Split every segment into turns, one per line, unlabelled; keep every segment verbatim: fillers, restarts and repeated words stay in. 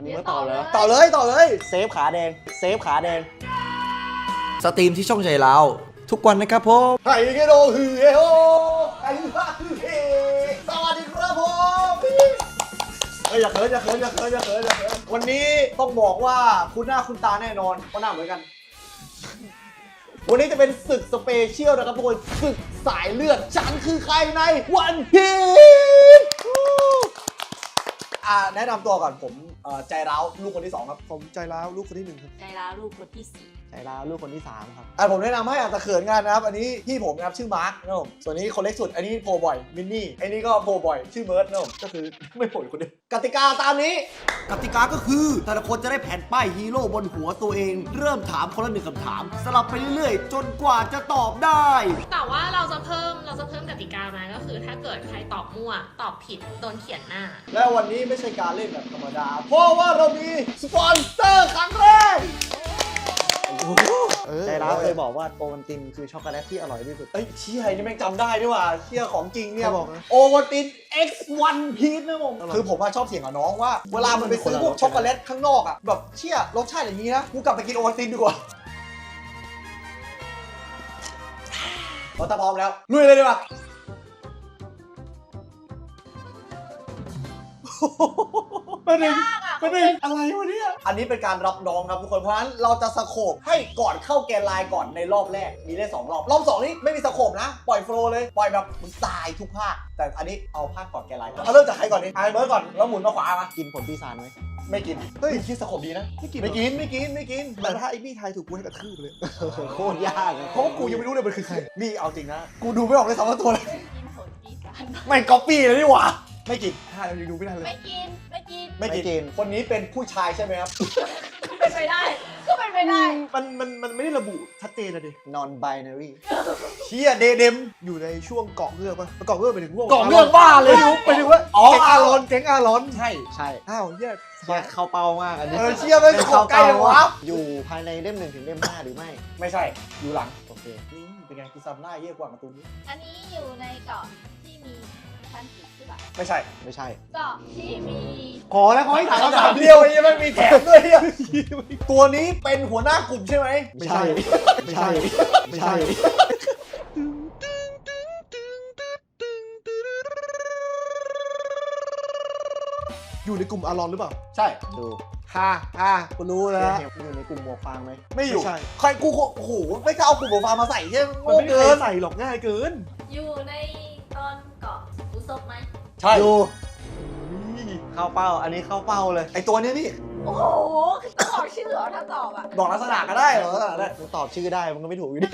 มึงก็ต่อเลย
ต่อเลยต่อเลย
เซฟขาแดงเซฟขาแดง
สตรีมที่ช่องใจเราทุกวันนะครับผม
ไฮเกโดฮือเฮโอไฮฮาฮือเฮสวัสดีครับผมเฮ้ยอย่าเขินอย่าเขินอย่าเขินอย่าเขินอย่าเขินวันนี้ต้องบอกว่าคุณหน้าคุณตาแน่นอนเพราะหน้าเหมือนกัน วันนี้จะเป็นศึกสเปเชียลนะครับทุกคนศึกสายเลือดฉันคือใครในวันพีชอ่าแนะนำตัวก่อนผมใจร้าวลูกคนที่สองครับ
ผมใจร้าวลูกคนที่หนึ่งครับ
ใจร้าวลูกคนที่สี่
ใจร้าวลูกคนที่สามครับ
อ่าผมแนะนำให้อาจจะเขินกันนะครับอันนี้พี่ผมนะครับชื่อมาร์คนะครับผมส่วนนี้คนเล็กสุดอันนี้โผล่บ่อยมินนี่อันนี้ก็โผล่บ่อยชื่อเมิร์ดนะครับผมก็คือไม่โผล่คนเดียวกติกาตามนี้
กติกาก็คือแต่ละคนจะได้แผ่นป้ายฮีโร่บนหัวตัวเอง เริ่มถามคนละหนึ่งคำถาม สลับไปเรื่อยๆ จนกว่าจะตอบได้
แต่ว่าเราจะเพิ่มเราจะเพิ่มกติกามาก็คือถ้าเกิดใครตอบมั่วตอบผิดโดนเขียนหน้า
และวันนี้ไม่ใช่การเล่นแบบธรรมดาเพราะว่าเรามีสปอนเซอร์ครั้งแรก
ใจร้าวเคยบอกว่าโอวัลตินคือช็อกโกแลตที่อร่อยที่สุด
เอ้ยเชี่ยนี่แม่งจำได้ด้วยว่ะเชี่ยของจริงเนี่ย
เขาบอกนะ
โอวัลติน เอ็กซ์ วัน พีชนะผมคือผมอะชอบเถียงกับน้องว่าเวลามันไปซื้อพวกช็อกโกแลตข้างนอกอะแบบเชี่ยรสชาติอย่างนี้นะกูกลับไปกินโอวัลตินดีกว่าเราถ้าพร้อมแล้วลุยเลยดีกว่าประเด็นประเด็นอะไรวะเนี่ยอันนี้เป็นการรับน้องครับทุกคนเพราะฉะนั้นเราจะสโคปให้ก่อนเข้าแกนไลน์ก่อนในรอบแรกมีได้สองรอบรอบสองนี้ไม่มีสโคปนะปล่อยโฟลว์เลยปล่อยแบบมึงตายทุกภาคแต่อันนี้เอาภาคก่อนแกนไลน์ก่อนเอาเริ่มจากใครก่อนดีไอเบิร์ดก่อนแล้วหมุนมาขวามา
กินผลปีศาจไหม
ไม่กินเฮ้ยคิดสโคปดีนะ
ไม่กิน
ไม่กินไม่กินไม่กิน
แต่ถ้าไอ้บี้ไทยถูกกูให้กระทืบเลย
โคตรยากอะ
เพราะว่ากูยังไม่รู้เลยมันคือใครนี่เอาจริงนะกูดูไม่ออกเลยสองตัวเลย
กินผลปีศาจ
ไม่ก๊อปปี้เลยนี่หว่าไม่กิน
ถ้าเรายังดูไม่ทันเลย
ไม่กินไม่กิน
ไม่กินคนนี้เป็นผู้ชายใช่ไหมครับ
เป็นไปได้ก็เป็นไปได้
มันมันมันไม่ได้ระบุชัดเจนนะดิ
นอนไบนารี
เชียเดเดม
อยู่ในช่วงเกาะเงือกปะเกาะเงือกไปถึงพวก
กล่องเรื่องบ้าเลย
ไปถึงว่า
อ๋อ
แก๊งอารอนแก๊งอารอน
ใช่
ใช่
อ้าวเหี้ย
เชี่ยเข้าเป้ามากอันนี้
เออเชียไม่ขอใกล้เลยวะ
อยู่ภายในเล่มหนึ่งถึงเล่มห้าหรือไม่
ไม่ใช่อยู่หลัง
โอเค
นี่เป็นไงกูซ้ำหน้าเยี่ยกว่าการ์ตูนนี้
อันนี้อยู่ในเกาะที่มีชั้นผีหรือเปล่า
ไม่ใช่
ไม่ใช่
เกาะที่มี
ขอแล้วขอให้ถามคำถามเดียวไอ้ยังไม่มีแถมด้วยเนี่ยตัวนี้เป็นหัวหน้ากลุ่มใช่ไหม
ไม่ใช่ไม่ใช่ไม่ใช่
อยู่ในกลุ่มอารอนหรือเปล่า
ใช่
ดู
ฮ่าฮ่ากูรู้แล้ว
อยู่ในกลุ่มหมวกฟางไหม
ไม่อยู่
ไม่ใช่
ใครกูโอ้โหไม่กล้าเอากลุ่มหัวฟ้ามาใส่ใช่ไหม
มัน
โง่
ไม่มี
เกิ
ใคร
น
ใส่หรอกง่ายเกิน
อยู่ในตอนเกาะอุซบไหม
ใช่
ดู
นี่
เข้าเป้า อันนี้เข้าเป้าเลย
ไอตัวนี้นี่
โอ้โหต้องบอกชื่อเหรอถ้าตอบอ่ะ
บอกลักษณะก็ได้เหรอลักษณะได้
มึงตอบชื่อได้มันก็ไม่ถูกอยู่ดี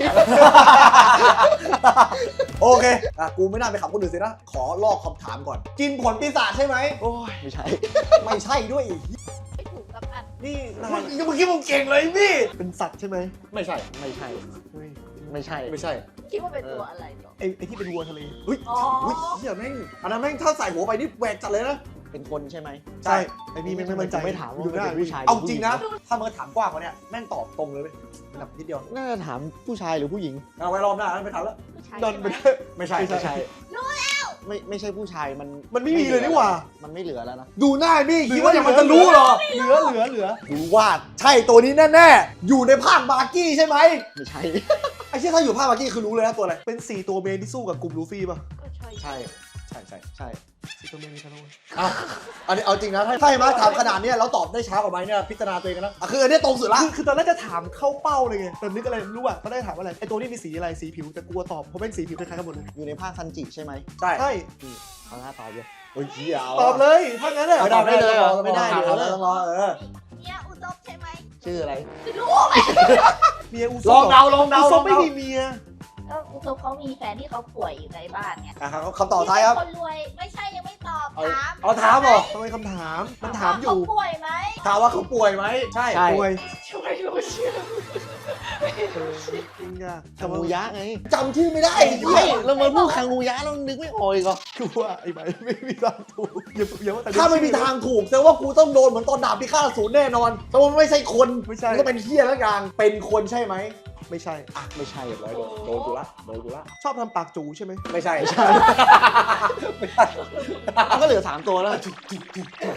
โอเคอ่ะกูไม่น่าไปขับคนอื่นสินะ ขอลอกคำถามก่อน กินผลปีศาจใช่ไหม
โอ้ย
ไม่ใช่
ไม่ใช่ด้วย
ไม่ถูกกับอัน
นี่นาย
เมื่อกี้มึงเก่งเลยพี่
เป็นสัตว์ใช่ไหม
ไม่ใช่
ไม่ใช่
เฮ้ย
ไม่ใช่
ไม่ใช่
คิดว่าเป็นตัวอะไรเหรอ
ไอ้ไอ้ที่เป็นวัวทะเล
เฮ้ย
อ๋อ
เฮ้ยเฮียแม่งอันนั้นแม่งถ้าใส่หัวไปนี่แหวกจัดเลยนะ
เป็นคนใช่ไหม
ใช่
ไอ้นี่ไม่ไม่มั่นใจ
ไม่ถามว่า
อยู่
มัน
ได้
เป็นผู้ชาย
เอาจริงนะ ถ้ามึงถามกว้างกว่านี้แม่งตอบตรงเลยเว้ยแบบนิดเดียว
น่าจะถามผู้ชายหรือผู้หญิง
เอาไว้รอบหน้าไม่ถามแล้ว
ผู้ชาย
นอน
ใช่
ไป
ไหม
ได้
ไม่ใช่
ไม่ใช่ไม่ไม่ใช่ผู้ชายมัน
มันไม่มีเลยนี่หว่า
มันไม่เหลือแล้วนะ
ดูหน้าพี่คิดว่าอย่างมันจะรู้เหรอ
เหลือเหลือเหลือ
ดูว่าใช่ตัวนี้แน่ๆ อยู่ในภาคบาร์กี้ใช่ไหม
ไม่ใช่
ไอ้ที่ถ้าอยู่ภาคบาร์กี้คือรู้เลยนะตัวอะไร
เป็นสี่ตัวเมนที่สู้กับกลุ่มลูฟี่ป่ะ
ก็ใช่
ใช่
ใช่ใช่
ใช่
สี่ตัวเมนมีใครบ้างวะ
เอาอันนี้เอาจริงนะ ถ้าถ้าให้มาถามขนาดเนี้ยแล้วตอบได้ช้ากว่าไหมเนี่ยพิจารณาตัวเองกันนะอ่ะคืออันนี้ตรงสุดละ
คือคือตอนแรกจะถามเข้าเป้าเลยไงแต่นึกอะไรไม่รู้อ่ะตอนแรกถามว่าอะไรไอ้ตัวนี้มีสีอะไรสีผิวแต่กลัวตอบเพราะเป็นสีผิวคล้ายๆกันหมดเลย
อยู่ในภาคซันจิใช่ไหม
ใช่
ใช่
เอาหน้าตอบเลย
โอ้ยเหี้ยา
ตอบเลยถ้างั้นอ่ะ
ไม่ได้ไม่ได้เลย
ไม่ได้
ไม่
เดี๋
ได้
ยว
ต้องรอเออ
เนี่ยอุซบใช่ไหม
ชื่ออะไร
ไม่รู้ไหม
เมียอูซ
ลองเดาลอง
อู
เดา
ซ
ล
บ
อง
ไม่
เดา
มีเมีย
ก็อุซบเขามีแฟนที่เขาป่วยอยู่ในบ้านไง
อ่ะครับคำตอบท้ายครับ
คนรวยไม่ใช่ยังไม่ตอบ
เอา
ถาม
เอาถามเหรอ
ทำไมคำถามมันถามอยู่
เขาป่วยไหม
ถามว่าเขาป่วยไหมใช่
ใช่
ป่วย
ช่วยรู้ชื่อ
เออจริงอ่ะ
คังงูยะไง
จำชื่อไม่ได้
ไม่เรามาพูดคังงูยะเรานึกไม่ออกอีกเหรอ
คือว่าไอ้ใบไม่มีทางถูกอย่าอย่าว่าแต่
ถ้าไม่มีทางถูกแสดงว่ากูต้องโดนเหมือนตอนดาบพิฆาตอสูรแน่นอนแต่ว่ามันไม่ใช่คน
ไม่ใช่
มันก็เป็นเฮียแล้วกันเป็นคนใช่ไหม
ไม่ใช่
อ่ะไม่ใช่เรียบร้อยโดนโดนกูละโดนกูละ
ชอบทำปากจูใช่ไหม
ไม่ใช่
มันก็เหลือสามตัวแล้ว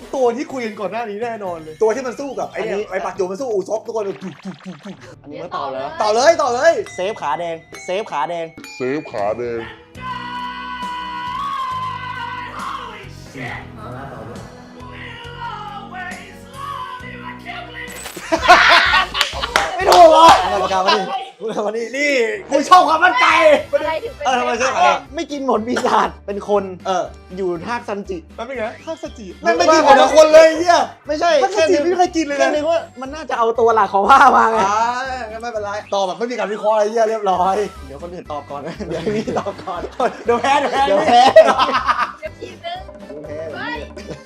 ตัวที่คุยกันก่อนหน้านี้แน่นอนเลย
ตัวที่มันสู้กับไอ้เนี่ยไอ้ปักจูมันสู้อูซบทุกคนเลย
อันนี้ไม่ตอบแล้ว
ต่อเลยต่อเลย
เซฟขาแดง เซฟขาแดง
เซฟขาแดง
ไม่ถูกเหรอเอาปากกามาดิเอามานี่นี่กูชอบความมั่นใจ
อะไรถึงเป็น
เออทำไมใช่
ขา
ขาแด
แด
ง
ง
ไม่กินหมดปีศาจเป็นคน
เออ
อยู่ทากซันจิ
แป๊บนึงนะข้าวสจิ
แม่งไม่กินคนละคนเลยเฮีย
ไม่ใช่
ข้าวส
แค่
จิ
นึก
ไม่เคยกินเลย
แค่
นะ
นึกว่ามันน่าจะเอาตัวหลักของผ้ามาไง
อ่างั้นไม่เป็นไรตอบแบบไม่มีการวิเคราะห์อะไรเฮียเรียบร้อย
เดี๋ยวคนอื่นตอบก่อน เดี๋ยวพี่ตอบก่อน
เดี๋ยวแพ้เดี๋ยวแพ้
เดี๋ยวแพ้
เดี๋ยวทีนึง
แพ้
เฮ้ย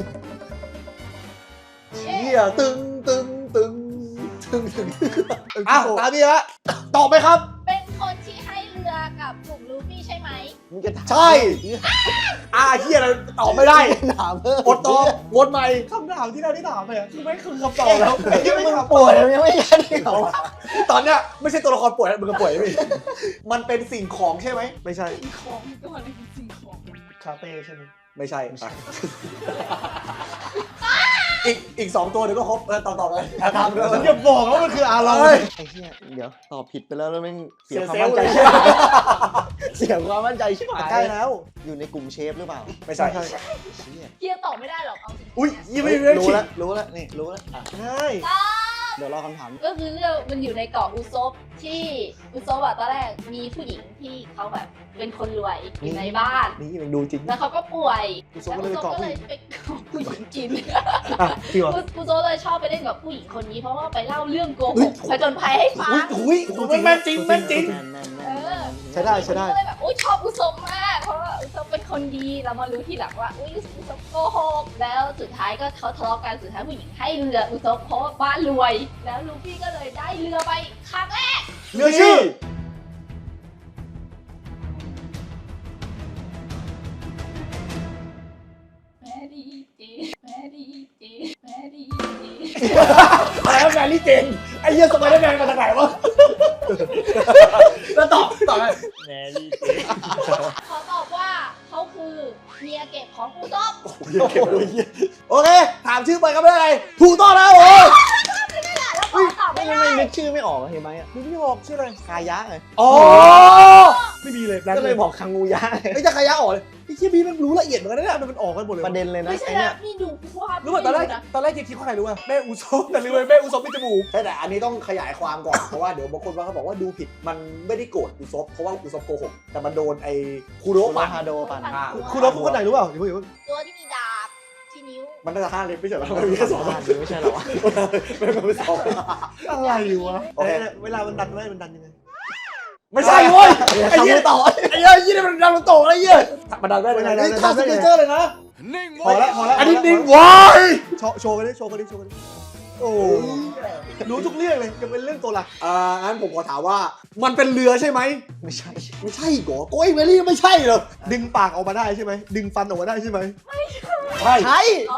เฮียตึงตึงตึงตึงตึงอ่ะตามพี่ละตอบไหมครับ
เป็นคนที่ให้เรือกับกลุ่มลูฟี่ใช่ไหม
มึงจะถาม
ใช่ อ่าเฮียเราตอบไม่ได้
ถามเพิ่ม
อดตอบวนใหม่
คำถามที่เราที่ถามไปอะคือไม่คือคำตอบแล้ว
ไอ้ที่มึงป่วยยังไม่ยันอีกเหรอ
ตอนเนี้ยไม่ใช่ตัวละครป่วยนะมึงก็ป่วยนะพี่มันเป็นสิ่งของใช่ไหม
ไม่ใช่
ของตัวอะไรเป็นสิ่งของ
คาเฟ่ใช่ไหม
ไม่ใช่อ่ะอีกอีกสองตัวเดี๋ยวก็ครบเออตอบตอบเลยทำเลย
อย่าบอกว่ามันคืออาเรา
เฮ้ย
ไอ้เหี้ยเดี๋ยวตอบผิดไปแล้วแล้วแม่งเสีย
เสีย
ความมั่นใจ
เซลล์เลย
เสียความมั่นใจชิบหาย
ใกล้แล้ว
อยู่ในกลุ่มเชฟหรือเปล่า
ไม่ใช่
เชี่ย
เที่ยตอบไม่ได้หรอกเอาจริง
อุ้ยยังไม่ได้
รู้
คิด
แล้วรู้แล้วนี่รู้แล้วอ่ะ
ใช่
เดี๋ยวรอคำถาม
ก็คือเรื่องมันอยู่ในเกาะอุซบที่อุซบอะตอนแรกมีผู้หญิงที่เขาแบบเป็นคนรวยอยู่ในบ้าน
นี่ยังดูจริง
แล้วเขาก็ป่วย
อุซบ
แล้ว
ก็
อุ
เลย
ซ
ไป
บ
เกาะ
ก็
ผู้
เล
หญิง
ยไปเกาะผู้หญิงกิน
อ่ะจริงเหรอ
อุซบเลยชอบไปเล่นกับผู้หญิงคนนี้ เพราะว่าไปเล่าเรื่องโกหกผจญภัยให้ฟัง
อุ้ยอุ้ยแม่นจริงแม่นจริง
แม่นแม่นแม่น
เออ
ใช้ได้ใช้ได้
ก็เลยแบบอุ้ยชอบอุซบมาก เพราะว่าอุซบเป็นคนดีเรามารู้ทีหลังว่าอุ้ยอุซบโกหกแล้วสุดท้ายก็เขาทะเลาะกันสุดท้ายผู้หญิงให้เรืออุซบเพราะว่าบ้านรวย แล้วลูฟี่ก็เลยได้เรือไปครั้งแรก
เรือชื่อ
แม่ดีเจแม่ดีเจแม่ดีเจ
อะไรนะแมรี่เจนไอ้เหี้ยสไปเดอร์แมนมาจากไหนวะแล้วตอบตอบไงแมรี่เจน
เขาตอบว่าเขาคือเมียเก็บของอุซบ
โอเคถามชื่อไปครับได้ไรถูกต้องแล้วโอ้ย
แล้วพอตอบ
ไม่
ไม่
ไม่
ได้
ไม่นึกชื่อไม่ออกเห็นไหมอ่ะ
นึกไม่ออกชื่ออะไร
คายะไง
อ๋อ
ไม่มีเลยแบง
ก็
ค์
เล
เลย ย
บอกคังงูยะไง
ไอ้จะขยะออกเลยไอ้เชี่ยพี่มันรู้ละเอียดเหมือนกันนะเนี่ย
มันมันออกกันหมดเลย
ประเด็นเลยนะ
ไม่ใช่
ไอ้เนี่ย
นะนี่ดูภาพ
รู้ป่ะตอนแรก
นะ
ตอนแรกคิดว่าใครรู้ป่ะแม่อุซบแต่รู้เลยแม่อุซบมีจมูก
ใช่แต่อันนี้ต้องขยายความก่อน เพราะว่าเดี๋ยวบางคนว่าเขาบอกว่าดูผิดมันไม่ได้โกรธอุซบเพราะว่าอุซบโกหกแต่มันโดนไอ้คูโร
โร
ปั่น
ฮาโดปัน
อ่า
คุณเราคนไหนรู้เปล่าเดี๋ยวพูดเดี๋ยวพูด
ตัวที่มีดาบที่นิ้ว
มันน่าจะห้าเล่มไม่ใช่เหรอมันมีแค่สอง
ไม่ใช่เหรอวะ
ไม่ไม่สอง
อะไรวะ
โอเค
เวลามันดันได้มันดันยังไง
ไม่ใช่เว้ยไอ้
ทำ
เหี้
มื
ย
อต่อ
ไอ้เหี้ยยี่นี่มันดังมันโตอะไรเหี้ยมันดังได้เลยนะนี่ท่าสเกเจอร์เลยนะ
พอแล้วพอแล้ว
อันนี้
พอแล้ว
นิ่งวาย
โชว์โชว์กันดิโชว์กันดิโชว์กันดิโอ้รู้ทุกเรื่องเลยจะเป็นเรื่องตัวหลัก
อ่างั้นผมขอถามว่ามันเป็นเรือใช่ไหม
ไม่ใช่
ไม่ใช่เหรอโก้ยเวลี่ไม่ใช่เหรอ
ดึงปากออกมาได้ใช่ไหมดึงฟันออกมาได้ใช่ไหม
ใช่
ใช่
อ๋อ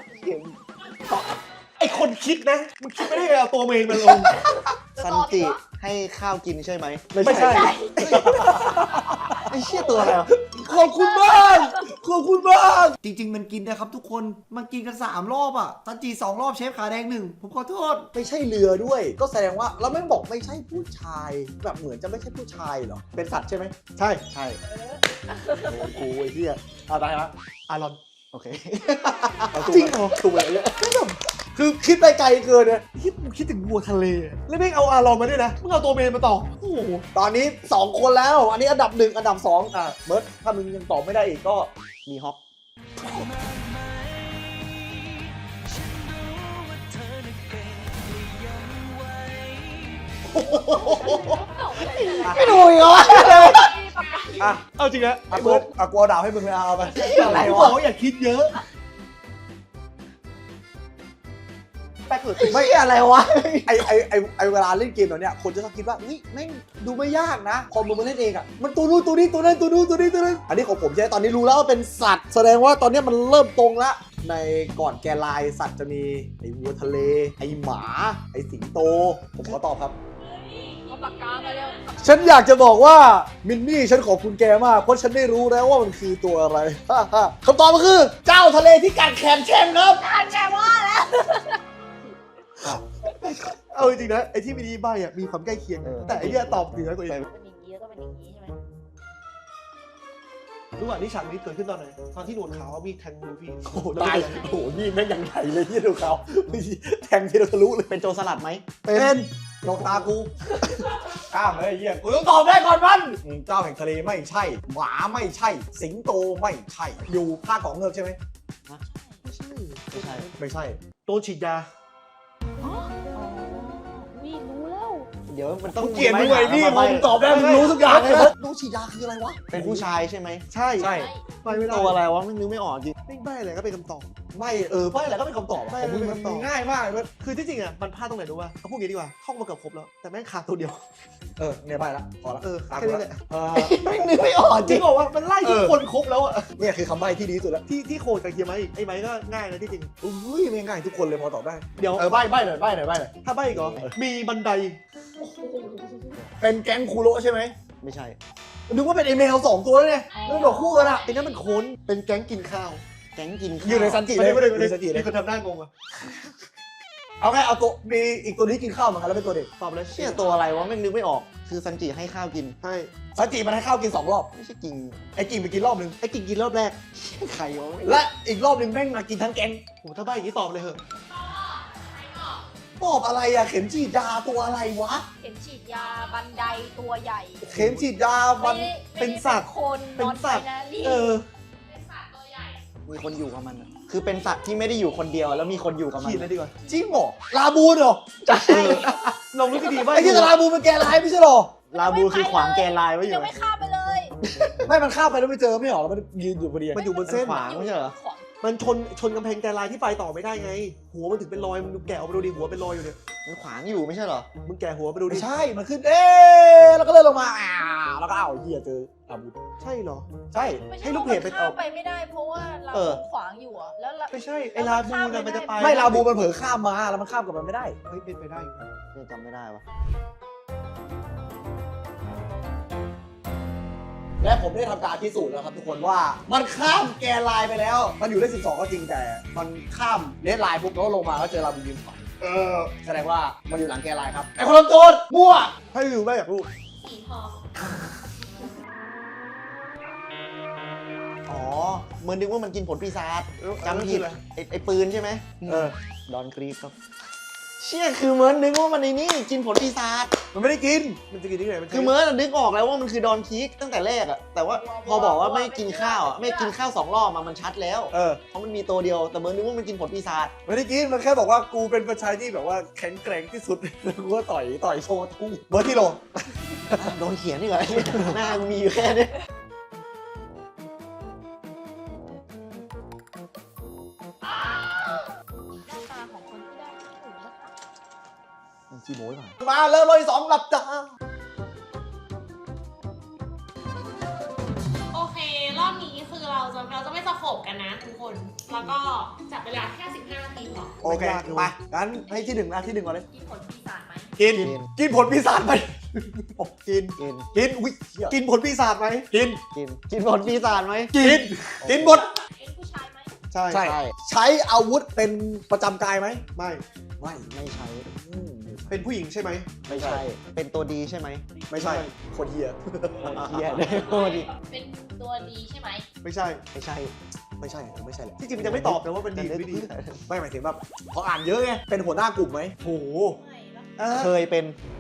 ไอคนคิดนะมันคิดไม่ได้ไงเอาตัวเองมันลง
ซันจิให้ข้าวกินใช่ไหม
ไม่ใช่
ไอ้เชี่ยตัวอะไรวะ
ขอบคุณมากขอบคุณมาก
จริง ๆ มันกินนะครับทุกคนมันกินกันสามรอบอ่ะซันจิสองรอบเชฟขาแดงหนึ่งผมขอโทษ
ไม่ใช่เรือด้วย ก็แสดงว่าแล้วแม่งบอกไม่ใช่ผู้ชายแบบเหมือนจะไม่ใช่ผู้ชายเหรอเป็นสัตว์ใช่ไหม
ใช่
ใช่
โอ้โหไอ้เหี้ยเอาได้ละ
อารอน
โอเค
จริงเหรอถูกเลยเนี่ยคือคิดไปไกลเกินเนี่ย
คิดมึงคิดถึงวัวทะเลอะแล้วแม่งเอาอารอนมาด้วยนะมึงเอาตัวเมนมาต่อโอ้โห
ตอนนี้สองคนแล้ว อันนี้อันดับหนึ่งอันดับสองอ่ะเมิร์ดถ้ามึงยังตอบไม่ได้อีกก็
มีฮอก
ไม่ดูอีกเหรออ่ะ
เอาจริงนะ
อ่ะกูอ่ะกูเอาดาวให้มึงเลยเอาไป
อะไร
กูบ
วะ
อกว่าอย่าคิดเยอะแป๊กเกิด
ไม่อะไรวะ
ไอไอไอไอเวลาเล่นเกมแบบเนี้ยคนจะชอบคิดว่าเฮ้ยแม่งดูไม่ยากนะพอมึงมาเล่นเองอ่ะมันตัวนู้นตัวนี้ตัวนั้นตัวนู้นตัวนี้ตัวนั้นอันนี้ของผมใช่ไหมตอนนี้รู้แล้วว่าเป็นสัตว์แสดงว่าตอนนี้มันเริ่มตรงละในก่อนแกลายสัตว์จะมีไอวัวทะเลไอหมาไอสิงโตผมขอตอบครับ
เขาเอาปากกามาเร็ว
ฉันอยากจะบอกว่ามินนี่ฉันขอบคุณแกมากเพราะฉันได้รู้แล้วว่ามันคือตัวอะไร คำตอบมันคือเจ้าทะเลที่กัดแขนแช่งครับ
อ่านแกว่าแล้ว
เอาจริงๆนะไอ้ที่มินิใบอ่ะมีความใกล้เคียงนะแต่ไอ้เนี่ยตอบเหนือกว่าอีก
เป็นอย่างนี้แล้วก็เป็นอย่างนี้ใช่ไหม
รู้ว่านี่ฉากนี้เกิดขึ้นตอนไหนตอนที่หนวดขาวมีแทงลูฟี่
โอ้โหตายโอ้โหนี่แม่งยังใหญ่เลยที่ดูเขาแทงที่เราทะลุเลย
เป็นโจรสลัดไหม
เป็นลงตากูข้ามเลยไอ้เหี้ยกูต้องตอบได้ก่อนมันอืมเจ้าแห่งทะเลไม่ใช่ หมาไม่ใช่ สิงโตไม่ใช่ อยู่ภาคของเงือกใช่ไหม
ไม่ใช่
ไม่ใช่
ไม่ใช่
โดนฉีดยา
อ๋อวิรู้แล้ว
เดี๋ยวมันต้อง
กูเกลียดมึง
ใบ
เลยพี่
หา
พอ
มา
มึง
ใบ้
ตอบได้มึงรู้ทุกอย่างเลยนะดูฉีดยาคืออะไรวะ
เป็นผู้ชายใช่ไหม
ใช่
ใช่
ไม่ไม่ได้
ตัวอะไรวะไม่นึกไม่ออกจริง
ไม่ใบอะไรก็เป็นคำตอบ
ไม่เออไม่อะไรก็เป็นคำตอบอะ
ไม่
ของมึง
ไม่
มัน
เป็นคำตอบ
ง่ายมากเลย
คือที่จริงอ่ะมันพลาดตรงไหนรู้ป่ะเอาพูดอย่างนี้ดีกว่าท่องมาเกือบครบแล้วแต่แม่งขาดตัวเดียว
เออเนี่ยไปละพอละ
เออ
ตาม
แค่
กู
นี้
ละ
แหละ
เออ
ไม่นึกไม่ออก
จ
จ
ริ
ริ
ง
ง
บอกว่ามันไล่ทุก
เออ
คนครบแล้วอ่ะ
เนี่ยคือคำใบ้ที่ดีที่สุดแล้ว
ที่ที่โคดกับเฮียไม้อีกไอ้ไม้ก็ง่ายนะที่จริง
อุ้ยไม่ง่ายทุกคนเลยพอตอบได้
เดี๋ยว
เออใบ้ใบ้หน่อยใบ้หน่อยใบ้หน่อย
ถ้าใบอีกเหรอมีบันได
เป็นแก๊งคูโระใช่ไหม
ไม่ใช่
นึกว่าเป็นไอแมวสองตัวแล้วเนี่ยแล้วบอกคู่กันอะ
ไอ้นั่นมันโค้นเป็นแก๊งกินข้าว
แก๊งกินข้าว
อยู่ในซันจิ
ไม่
เลย
ได้ไม่ได้
อยู่
ไม่
ในซันจิ
ได้
เลย
มีคนทำหน้างงอ่ะ
เอาไงเอาตัวมีอีกตัวนี้กินข้าวเหมือนกันแล้วเป็นตัวเด็ก
ตอบเลย
เชี่ยตัวอะไรวะไม่นึกไม่ออก คือซันจิให้ข้าวกิน
ใช่
ซันจิมันให้ข้าวกินสองรอบ
ไม่ใช่กิน
ไอ้กิ่งไปกินรอบหนึ่ง
ไอ้กินกินรอบแรก
ใครวะ
และอีกรอบหนึ่งแม่งมากินทั้งแก๊ง
โหถ้าใบอย่างนี้ตอบเลยเหอะ
ตอบอะไรอะเข็มฉีดยาตัวอะไรวะ
เข็มฉีดยาบันไดตัวใหญ่
เข็มฉีดยามัน
ไม่ได้
เป็นสัตว์
ไม่ได้คน
เป็น
นอน
สัตว์
ไปนะนี่
เออ
มีคนอยู่กับมันอะคือเป็นสัตว์ที่ไม่ได้อยู่คนเดียวแล้วมีคนอยู่กับมัน
ขีดเลยดีกว่า
จริงเหรอลาบูนเหรอ
ใช่
ลองนึกดีๆใบ
ไอ้ที่ลาบูนมันแกลายไม่ใช่เหรอ
ลาบูคือขวางแกนลายไว้อ
ยั
ยู่
งไม่ข้ามไปเลย
ไม่มันข้ามไปแล้วไม่เจอไม่เหรอแล้วมันยืนอยู่พอดี
มันอยู่บน
เส้
เส้
น
น
ขวางไม่ใช่เหรอ
ขวาง
มันชนชนกำแพงแกนลายที่ไปต่อไม่ได้ไง หัวมันถึงเป็นรอยมึงดูแกะออกไปดูดิหัวเป็นรอยอยู่เนี่ย
มันขวางอยู่ไม่ใช่เหรอ
มึงแกะหัวไปดูดิ
ไม่ใช่ มันขึ้นเอ๊ะแล้วก็เลื่อนลงมาอ่าแล้วก็อ้าวเฮียเจอลาบูน
ใช่เหรอ
ใช่
ไม่ใช่
ให้ลูกเพจไป
ว่ามัน
เอา
ข้ามไปไม่ได้เพราะว่าเรา
เออ
ขวางอยู่อะแล้วเรา
ไม่ใช่ไอ้ลาบูน่ะมันจะไป
ไม่ลาบูมันเผลอข้ามมาแล้วมันข้ามกับมันไม่ได้
เฮ้ยเป็นไปได้อยู่นะ
เนี่ยจำไม่ได้วะ
และผมได้ทำการพิสูจน์แล้วครับทุกคนว่ามันข้ามแกนไลน์ไปแล้ว มันอยู่ได้สิบสองก็จริงแต่มันข้ามเลนไลน์ปุ๊บแล้วลงมาก็เจอลาบูนยืนขวางเออแสดงว่ามันอยู่หลังแกนไลน์ครับไอ้คนทำโจรมั่ว
ให้ดูใบอยากรู้
สีทอง
อ๋อเหมือนนึกว่ามันกินผลปีศาจจำ
จำ
ผิ
ผิ
ด
ดเลย
ไอ้ไอ้ปืนใช่ไหม
เออ
ดอนกรีฟครับ เชี่ยคือเมิร์นนึกว่ามันในนี่กินผลปีศาจ
มันไม่ได้กิน
มันจะกินที่ไหนมัน
คือเมิร์นนึกออกแล้วว่ามันคือดอนคีกตั้งแต่แรกอะแต่ว่าพอบอกว่าไม่กินข้าวอะไม่กินข้าวสองรอบมามันชัดแล้ว
เออ
เพราะมันมีตัวเดียวแต่เมิร์นนึกว่ามันกินผลปีศาจ
ไม่ได้กินมันแค่บอกว่ากูเป็นประชายที่แบบว่าแข็งแกร่งที่สุด แล้วกูก็ต่อยต่อยโชว์ทุ่งเบอร์ที่โล
โดนเขียนนี่เหรอ หน้ากูมีอยู่แค่นี้
หน้าตาของคนที่ได้ที่หนึ่งนะคะ
จีโม้ยป่ะ
มาเริ่มเลยสองหลับตา
โอเค รอบนี้คือเราจะเราจะไม่สโคบกันนะทุกคน แล้วก็จับเวลาแค่สิบห้านาทีพอ
โอเคไปงั้นให้ที่หนึ่งนะที่หนึ่งก่อนเลย
กินผลปีศาจไหม
กินกินผลปีศาจไปกิน
กิน
กินอุ้ยเหี้ย
กินผลปีศาจไหม
กิน
กินกินผลปีศาจไหม
กินกินหมด
เป็นผู้ชายไหม
ใช่
ใช่ ใช้อาวุธเป็นประจำกายไหม
ไม่
ไม่
ไม่ใช่
อืม
เป็นผู้หญิงใช่ไหม
ไม่ใช่ เป็นตัวดีใช่ไหม
ไม่ใช่คนเฮีย
โคตรเฮียเลยโคตรดี
เป็นตัวดีใช่ไหม
ไม่ใช่
ไม่ใช่
ไม่ใช่ไม่ใช่แหละ
ที่จริงมันจะไม่ตอบนะว่าเป็นดีหรือไม่ดี
ไม่หมายถึงแบบพออ่านเยอะไงเป็นหัวหน้ากลุ่มไหม
โห
ไม่ปะ
เออ
เคยเป็น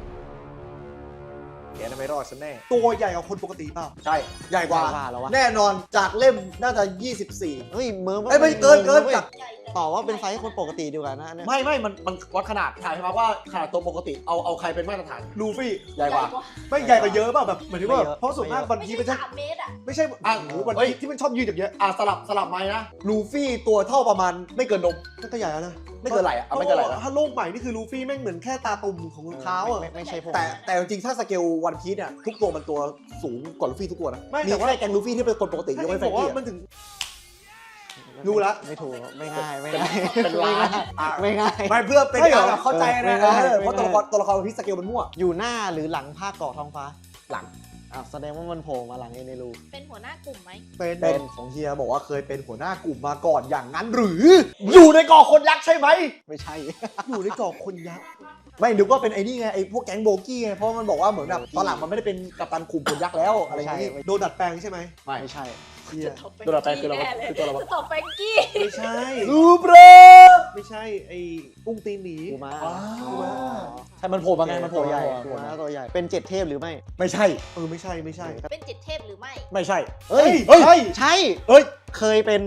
แกจะไม่รอดฉันแน่
ตัวใหญ่กว่าคนปกติเปล่า
ใช่ใหญ่กว่า
ว่าแล้ววะ
แน่นอนจากเล่มน่าจะยี่สิบสี่
เฮ้ยเมิร์
เอ้ยไม่เกินเกิน
ว้ย
จาก
ใหญ่แต่
ตอบว่าเป็นไซส์คนปกติดีกว่านะอันเนี่ย
ไม่ไม่มันมันวัดขนาดถ่ายมาว่าขนาดตัวปกติเอาเอาใครเป็นมาตรฐาน
ลูฟี่
ใหญ่กว่า
ไม่ใหญ่กว่าเยอะเปล่าแบบเหมือนที่ว่าเพราะส่วนมากวัน
ไม่
พี
ใช่
มันจะ
สามเมตรอะ
ไม่ใช่
อ่ะ
โอ้โหวัน
เฮ้ย
พีที่มันชอบยืนอย่างเงี้ย
อ่ะสลับสลับไหมนะลูฟี่ตัวเท่าประมาณไม่เกินนม
นั่นก็ใหญ่แล้วนะ
ไม่เกินไหล่อะเอาไม่เกินไหล่นะ
ถ้าโลกใหม่นี่คือลูฟี่แม่งเหมือนแค่ตาตุ่มของรองเท้าอ่ะ
ไม่ไม่ใช่ผม
แต่แต่จริงๆถ้าสเกลวันพีซเนี่ยทุกตัวมันตัวสูงกว่าลูฟี่ทุกตัวนะ
ไม่
มี
แต่ว่า
แค่แกงลูฟี่ที่เป็นคนปกติย
ถ้าก
เว้นแฟ
เอง บอก
กี้
ว่ามันถึงรู้ละ
ไม่ถูกไม่ง่ายไม่ง่าย
เป็นล้านอ่ะ
ไม่ง่าย
ไม่เพื่อเป็น
ไม่เหรอ
การแบบเข้าใจนะ
เออ
เออ
ไม่
เพราะตัวละครตัวละครพิสเกลมันมั่ว
อยู่หน้าหรือหลังภาคเกาะท้องฟ้า
หลัง
อ้าวแสดงว่ามันโผล่มาหลังเอเนรู
เป็นหัวหน้ากลุ่มไหม
เป็น
เป็นของเฮียบอกว่าเคยเป็นหัวหน้ากลุ่มมาก่อนอย่างนั้นหรือ อยู่ในกอคนยักษ์ใช่ไหม
ไม่ใช่
อยู่ในเกาะคนยักษ์
ไม่นึกว่าเป็นไอ้นี่ไงไอ้พวกแก๊งโบกี้ไงเพราะมันบอกว่าเหมือนแบบตอนหลังมันไม่ได้เป็นกัปตันกลุ่มคนยักษ์แล้วอะไรอย่างงี้
โดนดัดแปลงใช่ไหม
ไม่
ไม่ใช่
เฮีย
ตัวละแปลงคืออะไรวะคือตัวอะไรวะ
สตอปแฟงกี้
ไม่ใช่
รูเบร
ไม่ใช่ไอ้อุ้งตีนหนี
กูมา
อ้าว ใช่มันโผล่มาไงมันโผล่
ตัวใหญ่
มา
กูมาตัวใหญ่เป็นเจ็ดเทพหรือไม่
ไม่ใช่
เออไม่ใช่ไม่ใช่
เป็นเจ็ดเทพหรือไม่
ไม่ใช่
เฮ้ย
เฮ้ย
ใช่ใช่
เฮ้ย
เคยเป็น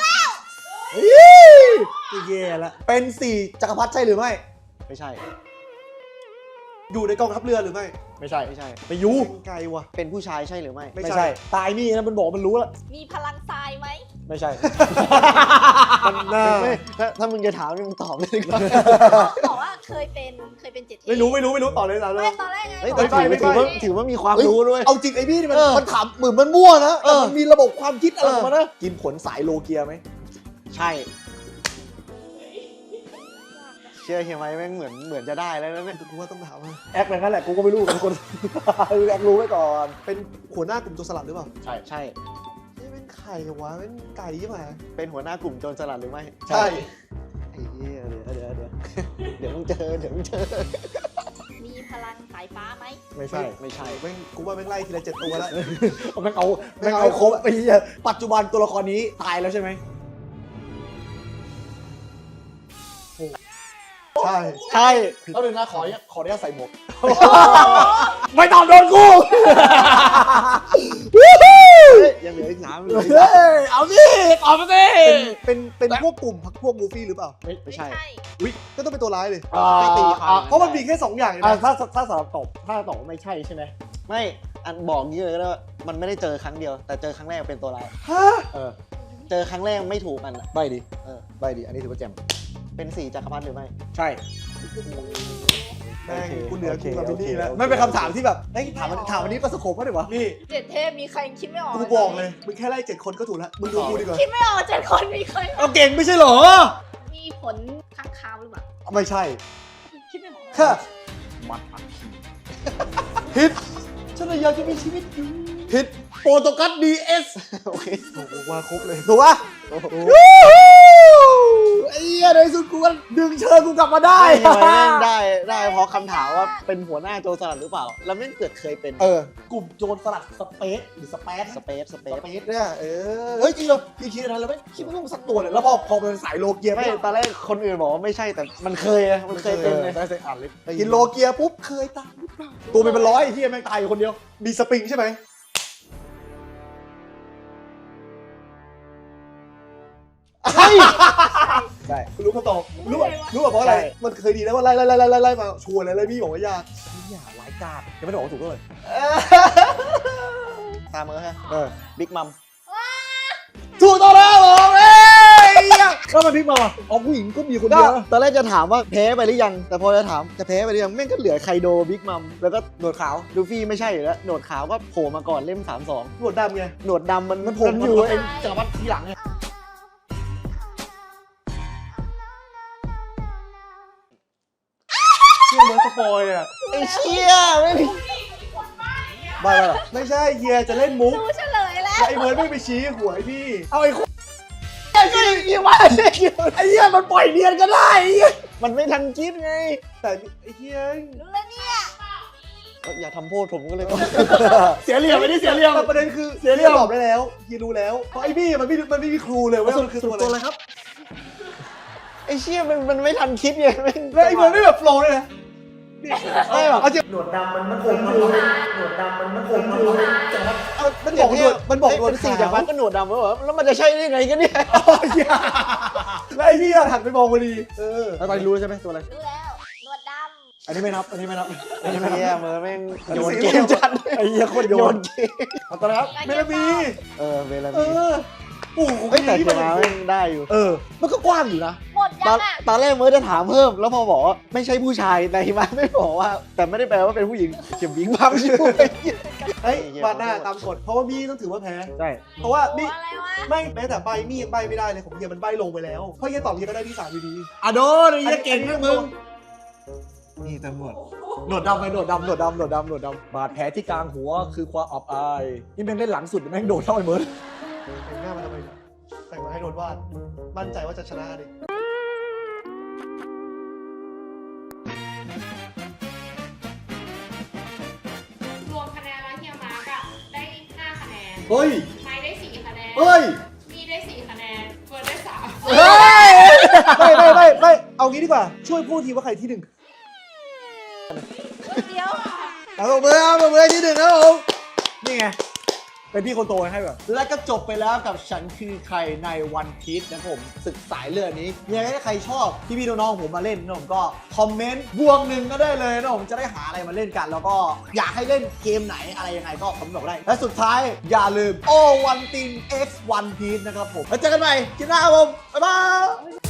แย่ละ
เป็นสี่จักรพรรดิใช่หรือไม่
ไม่ใช่
อยู่ในกองทัพเรือหรือไม่
ไม่ใช่
ไม่ใช่
ไปยู
เป็นไกลว่ะ
เป็นผู้ชายใช่หรือไม่
ไม่
ไม่
ใช่
ใช่ ตายนี่นะมันบอกมันรู้แล้ว
มีพลังทรายไหม
ไม่ใช่
มันน่า
ไม่ถ้าถ้ามึงจะถามนี่มึงตอบเลยดีกว่า
บอกว่าเคยเป็นเคยเป็นเจ็ดเทพ
ไม่รู้ไม่รู้ไม่รู้ต่อเลยต่อเล
ไม่
ย
ตอนแรกไง
เฮ้ย
บ
แต่
อก
ถือ
ไม่
ว่า
ไม่
ถือว่าถือว่ามีความรู้ด้วย
เอาจริงไอ้พี่นี่มัน
เออ
มันถามเหมือนมันมั่วนะ
เอ
แต่
อ
มันมีระบบความคิดอะไรของมันนะกินผลสายโลเกียไหม
ใช่ เชื่อเฮียไหมแม่งเหมือนเหมือนจะได้แล้วนะเนี่ย
กูว่าต้องถามว่า
แอคแบบนั้นแหละกูก็ไม่รู้เป็นคน แอครู้ไว้ก่อน
เป็นหัวหน้ากลุ่มโจรสลัดหรือเปล่า
ใช่
ใช่
นี่เป็นไข่วะเป็นไก่ใช่ไหม
เป็นหัวหน้ากลุ่มโจรสลัดหรือไม่
ใช่
ไอ้เหี้ยเดี๋ยวเดี๋ยวเดี๋ยวเดี๋ยวมึงเจอเดี๋ยวมึงเจอ
มีพลังสายฟ้าไหม
ไม่ใช่
ไม่ใช่
แม่งกูว่าแม่งไล่ทีละเจ็ดตัวแล้ว
แม่งเอาแม่งเอาครบไอ้เหี้ยปัจจุบันตัวละครนี้ตายแล้วใช่ไหม
ใช่
ใช่
แล้วหนึ่งนะขอขออนุญาตใส่หมวก ไม่ตอบโดนกู
ยังเหลืออีกสามเหลืออีก
เฮ้ยเอาสิตอบมาสิ
เป็นเป็นเป็นพวกกลุ่มพักพวกมูฟี่หรือเปล่า
ไม่ใช่
อุ้ยก็ต้องเป็นตัวร้ายเลย
อ่า
ไม่ตีความ
เพราะมันมีแค่สองอย่างเอง
อ่า
นะ
ถ้าถ้าสำหรับตอบถ้าตอบว่าไม่ใช่ใช่ไหม
ไม่อันบอกงี้เลยก็ได้ว่ามันไม่ได้เจอครั้งเดียว แต่เจอครั้งแรกเป็นตัวร้าย
ฮะ
เออ
เจอครั้งแรกไม่ถูกมันอะ
ใบดี
เออ
ใบดีอันนี้ถือว่าแจ่ม
เป็นสี่จักรพรรดิหรือไม่
ใช่
แม่ง
โอเค
กูเหลือ
โอเค
กูกับบิลลี่แล้ว
ไม่เป็นคำถามที่แบบเอ้ยถามมันถามวันนี้ประสบผมก็ได้วะ
นี่
เจ็ดเทพมีใครคิดไม่ออก
กูบอกเลยมึงแค่ไล่เจ็ดคนก็ถูกแล้วมึงดูกูดีกว่า
คิดไม่ออกเจ็ดคนมีใคร
เอาเก่งไม่ใช่เหรอ
มีผลข้างคาวหรือเปล่า
ไม่ใช่
คิดไม่ออก
ค่ะ
มันอักขี
ผิดฉันเลยอยากจะมีชีวิตอยู่ผิดโปรโตกัสดีเอส
โอเค
โอ้โหว่าครบเลย
ถูกปะไอ้เหี้ยในที่สุดกูก็ดึงเชิญกูกลับมาได้
ได้ทำไมแม่งได้ได้เพราะคำถามว่าเป็นหัวหน้าโจรสลัดหรือเปล่า แล้วแม่งเกิดเคยเป็น
เออกลุ่มโจรสลัดสเปซหรือสเปซ
สเปซสเป
ส
ซ
เปซเนี่ยเออเฮ้ยจริงเหรอพี่คิดอะไรแล้วไม่คิดไม่ต้องสักตัวเลยแล้วพอพอเป็นสายโลเกีย
ไม่ตอนแรกคนอื่นบอกว่าไม่ใช่แต่มันเคยอะมันเคยเป็นไง
ได้ใส่อ่านเลยกินโลเกียปุ๊บเคยตายหรือเปล่าตัวเป็นเป็นร้อยที่แม่งตายอยู่คนเดียว
มีสปริงใช่ไหม
เฮ้ย
ใช่
กูรู้คำตอบรู้ป่ะรู้ป่ะเพราะอะไร
ใช่
มันเคยดีแล้วว่าไล่ไล่ไล่ไล่ไล่ไล่มาชัวร์เลยเลยพี่บอกว่ายาก
อย่าร้ายกาจยังไม่ได้บอกว่าถูกเลย
ตามมือฮะ
เออ
บิ๊กมัม
ถูกต้องแล้วผมเอ้ยแล้วมันพลิกมาว่ะอ๋อผู้หญิงก็มีคน
ก็
เดียวนะ
ตอนแรกจะถามว่าแพ้ไปหรือยัง แต่พอจะถามจะแพ้ไปหรือยังแม่งก็เหลือไคโดบิ๊กมัมแล้วก็
หนวดขาว
ลูฟี่ไม่ใช่อยู่แล้วหนวดขาวก็โผล่มาก่อนเล่มสามสอง
หนวดดำไง
หนวดดำมัน
มันโผล่
มัน
อ
อยู่ ยู่
เอ
เอง ง
จักรพรรดิทีหลังไง
เชื่อเหมือนสปอยอ่ะ
ไอ้เชี่ยไม่มี
บ้าแล้ว
ไม่ใช่เฮียจะเล่นมุก
รู้เฉลยแล้ว
แล้วไอ้เมิร์ดไม่ไปชี้หัวไอ้พี่
เอาไอ้คนไอ้เหี้ยไอ้เหี้ยมันปล่อยเนียนก็ได้ไอ้เหี้ย
มันไม่ทันคิดไง
แต่ไอ้เฮีย
รู้แล้วเนี่ย
ก็อย่าทำโทษผมก็เลยต้อง
เสียเหลี่ยมไม่ได้เสียเหลี่ยม
แต่ประเด็นคือ
เสียเรี่ยว
ตอบได้แล้วเฮียรู้แล้วเพราะไอ้พี่มันไม่มันไม่มีครูเลยว่ามันคือตัวอะไร
ครับ
ไอ้เชี่ยมันมันไม่ทันคิดไงแม่ง
แล้วไอ้เมิร์ดไม่แบบโฟล์เลยนะนี่
ไม่หรอก
เอาจริง
หนวดดำมันมันคงอยู่หนวดดำมันมันคงอยู่จักรพรรดิ
เอามันบอกหนวดมันบอกหนวด
เป็นสี่
ขา
จาก
ว
พันก็หนวดดำแล้วเหรอแล้วมันจะใช่ได้ไงกันเนี่ย
แล้วไอ้พี่อะหันไปมองพอดีเออ
แล้วตอนนี้รู้ใช่ไหมตัวอะไร
รู้แล้วหนวดด
อันนี้ไม่นับอันนี้ไม่นับ
ไอ้เหี้ยมือแม่งโยน
สี่
เกมจัด
ไอ้เหี้ยโคตรโย
โย
น
นเกม
เอาตัวอะไรครับ
ำ
เมลามี
เออเวลา
เอ
มี
อโอ้โห
เฮ้ยแต่เขียนมาไม่ได้อยู่
เออ มันก็กว้างอยู่นะ
หมด
ต
ยั
อน
งอ่ะ
ตอนแรกเมื่อจะถามเพิ่ม แล้วพอบอกว่าไม่ใช่ผู้ชายในมาไม่บอกว่า แต่ไม่ได้แปลว่าเป็นผู้หญิงเขียนวิงพังอยู่
เฮ้ยมาหน้าตามกฎเพราะว่ามี่ต้องถือว่าแพ้
ใช่
เพราะว่า
โอ้
มี่
อะไรวะ
ไม่แม้แต่ใบมี่ยังใบไม่ได้เลยของเฮียมันใบลงไปแล้วเพราะเฮียตอบเฮียก็ได้ที่สามอยู่ดี
อะโดนไอ้เหี้ยเก่งมากมึง นี่ตำรวจหนวดดำไปหนวดดำหนวดดำหนวดดำหนวดดำบาดแผลที่กลางหัวคือความอับอาย นี่แม่งเล่นหลังสุดแม่งโดนเข้าไปเมิร์ด
แต่งหน้ามาทำไมแต่งมาให้โดนวาดมั่นใจว่าจะชนะดิ
รวมคะแนนแล้วเฮียมาร์กอะได้ห้าคะแนน
เฮ้ย
ไม้ได้สี่คะแนน
เฮ้ย
มีได้สี่คะแนนเฟิร์นได้สาม
เฮ้ย
ไม่ไม่ไม่ไม่เอางี้ดีกว่าช่วยพูดทีว่าใครที่หนึ่ง
เดี๋ยว
เอาตัวมือเอาตัวมือที่หนึ่งนะผม นี่ไง เป็นพี่คนโตให้แบบ และก็จบไปแล้วกับฉันคือใครในวันพีชนะครับผมศึกสายเลือดนี้ยังไงถ้าใครชอบที่พี่น้องๆผมมาเล่นนะผมก็คอมเมนต์บวกหนึ่งก็ได้เลยนะผมจะได้หาอะไรมาเล่นกัน แล้วก็อยากให้เล่นเกมไหนอะไรยังไงก็คอมเมนต์บอกได้ และสุดท้ายอย่าลืมโอวันติน X วันพีชนะครับผมแล้วเจอกันใหม่คลิปหน้าครับผมบ๊ายบาย